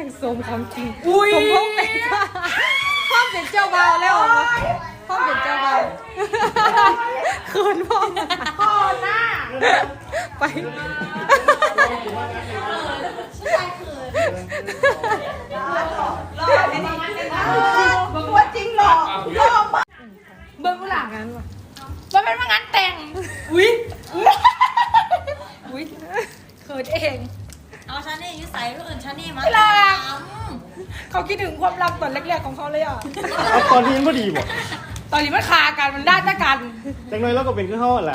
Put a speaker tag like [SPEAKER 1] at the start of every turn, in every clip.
[SPEAKER 1] ม่งสมของจริงสมพงษ์เป็นพ่อเป็นเจ้าบ่าวแล้วพ่อเป็นเจ้าบ่าวเขินพ่อหน้าไป
[SPEAKER 2] บอกว่าจริงหรอเบิ้งหลัง
[SPEAKER 1] งั้นวะ
[SPEAKER 2] มันเป็นว่างานแต่ง
[SPEAKER 1] อุ้ยเขินเอง
[SPEAKER 3] เอาชานี่ยุใส่ก็อื่นชานี่มา
[SPEAKER 1] เขาคิดถึงความรักตอนแรกๆของเขาเลยอ่ะ
[SPEAKER 4] เอาตอนนี้มันพอดีบ่
[SPEAKER 1] ตอนนี้มันคากันมันได้จ้ากัน
[SPEAKER 4] จังเลยเราก็เป็นขึ้นห้องแหละ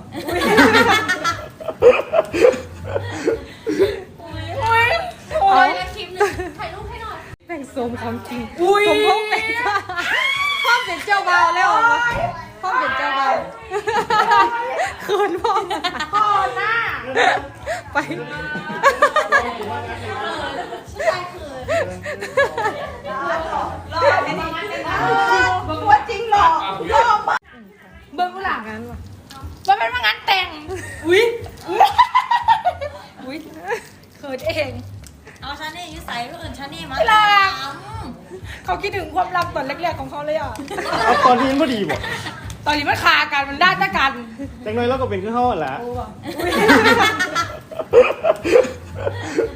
[SPEAKER 1] โอ้ย
[SPEAKER 3] คลิปหนึ่งถ่ายรูปให้หน่อย
[SPEAKER 1] แม่งสมของจริงสมพงษ์เป็นพ่อเป็นเจ้าบ่าวแล้วพ่อเป็นเจ้าบ่าวเขินพ่อหน้าไป
[SPEAKER 2] บอกว่าจริงหรอ
[SPEAKER 1] เบิ้งหลังงั้นวะ
[SPEAKER 2] มันเป็นว่างานแต่ง
[SPEAKER 1] อุ้ยเขินเอง
[SPEAKER 3] เอาชานี่ยุใส่ก็อื่นชานี่มา
[SPEAKER 1] เขาคิดถึงความรักตอนแรกๆของเขาเลยอ่ะ
[SPEAKER 4] เอาตอนนี้มันพอดีบ่
[SPEAKER 1] ตอนนี้มันคากันมันได้จ้ากัน
[SPEAKER 4] จังเลยเราก็เป็นขึ้นห้องแหละ